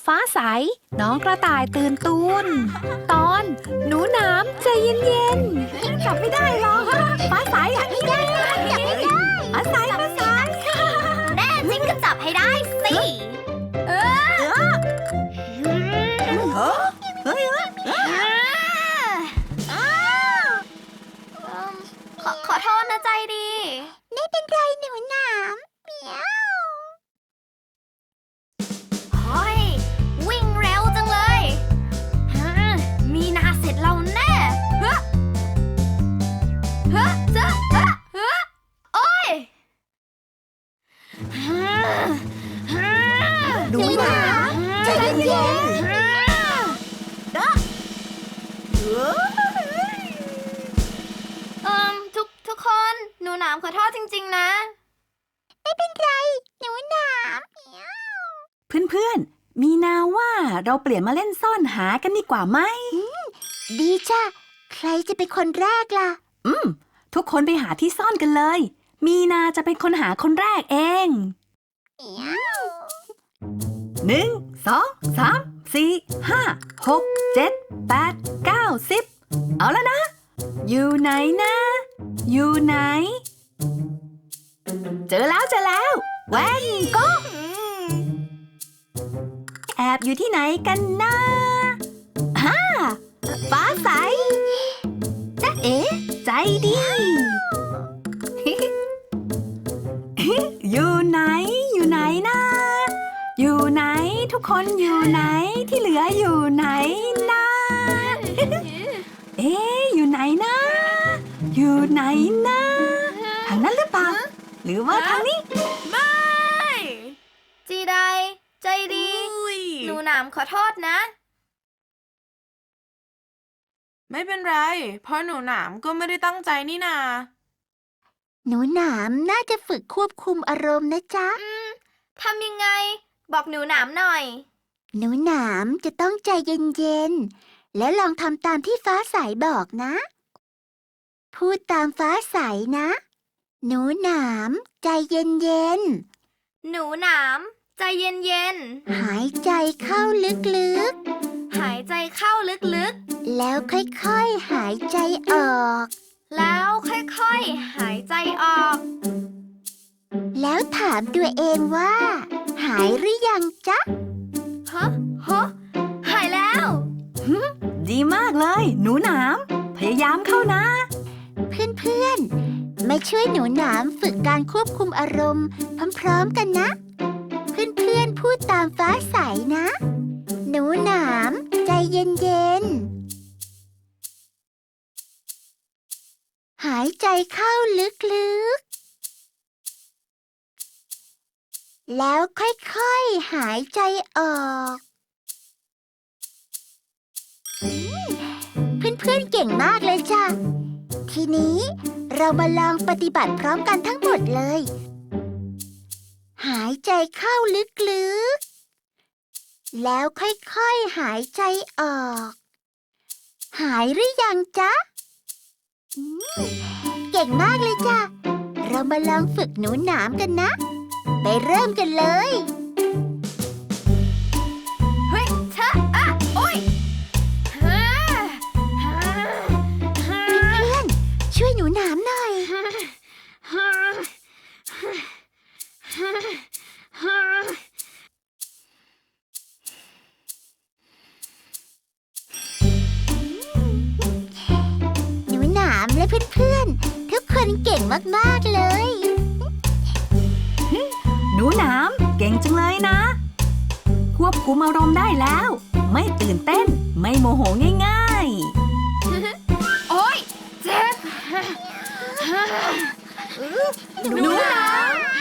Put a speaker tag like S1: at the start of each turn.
S1: ฟ้าใสน้องกระต่ายตื่นตูนตอนหนูหนามใจเย็นๆจับไม่ได้หรอกฟ้าใสจับไม่ได้ฟ้าใส
S2: แน่จริงก็จับให้ได้สิขอโทษนะใจดีไม่เป็นไรหนูหนามเมียวเฮ้ยวิ่งเร็วจังเลยมีนาเสร็จเราแน่เฮ้โอ้ย
S1: หนูหนามใจเย็น
S2: ทุกคนหนูหนามขอโทษจริงๆนะไม่เป็นไรหนูหนาม
S1: เพื่อนๆมีนาว่าเราเปลี่ยนมาเล่นซ่อนหากันดีกว่าไหม
S2: ดีจ้ะใครจะเป็นคนแรกล่ะ
S1: ทุกคนไปหาที่ซ่อนกันเลยมีนาจะเป็นคนหาคนแรกเอง1 2 3 4 5 6 7 8 9 10เอาแล้วนะอยู่ไหนนะอยู่ไหนเจอแล้วแว่นก็แอบอยู่ที่ไหนกันนะฟ้าใสจ๊ะเอ๋ใจดีอยู่ไหนนะอยู่ไหนทุกคนอยู่ไหนที่เหลืออยู่ไหนนะอยู่ไหนนะอยู่ไหนนะทางนั้นหรือเปล่าหรือว่าทางนี้
S2: ไม่จีไดใจดีหนูหนามขอโทษนะ
S3: ไม่เป็นไรเพราะหนูหนามก็ไม่ได้ตั้งใจนี่นา
S2: หนูหนามน่าจะฝึกควบคุมอารมณ์นะจ๊ะทำยังไงบอกหนูหนามหน่อยหนูหนามจะต้องใจเย็นๆและลองทำตามที่ฟ้าใสบอกนะพูดตามฟ้าใสนะหนูหนามใจเย็นๆหนูหนามใจเย็นๆหายใจเข้าลึกๆหายใจเข้าลึกๆแล้วค่อยๆหายใจออกแล้วค่อยๆหายใจออกแล้วถามตัวเองว่าหายหรือยังจ๊ะหายแล้ว
S1: ดีมากเลยหนูหนามพยายามเข้านะ
S2: เพื่อนๆมาช่วยหนูหนามฝึกการควบคุมอารมณ์พร้อมๆกันนะเพื่อนๆพูดตามฟ้าใสนะหนูหนามใจเย็นๆหายใจเข้าลึกๆแล้วค่อยๆหายใจออกเพื่อนๆเก่งมากเลยจ้ะทีนี้เรามาลองปฏิบัติพร้อมกันทั้งหมดเลยหายใจเข้าลึกๆแล้วค่อยๆหายใจออกหายหรือยังจ๊ะเก่งมากเลยจ้ะเรามาลองฝึกหนูหนามกันนะไปเริ่มกันเลยเฮ้ยชะอะโอ้ยช่วยหนูหนามหน่อยหนูหนามและเพื่อนๆทุกคนเก่งมากๆเลย
S1: หนูหนามเก่งจังเลยนะควบคุมอารมณ์ได้แล้วไม่ตื่นเต้นไม่โมโหง่าย
S2: โอ๊ยเจ็บหนูหนาม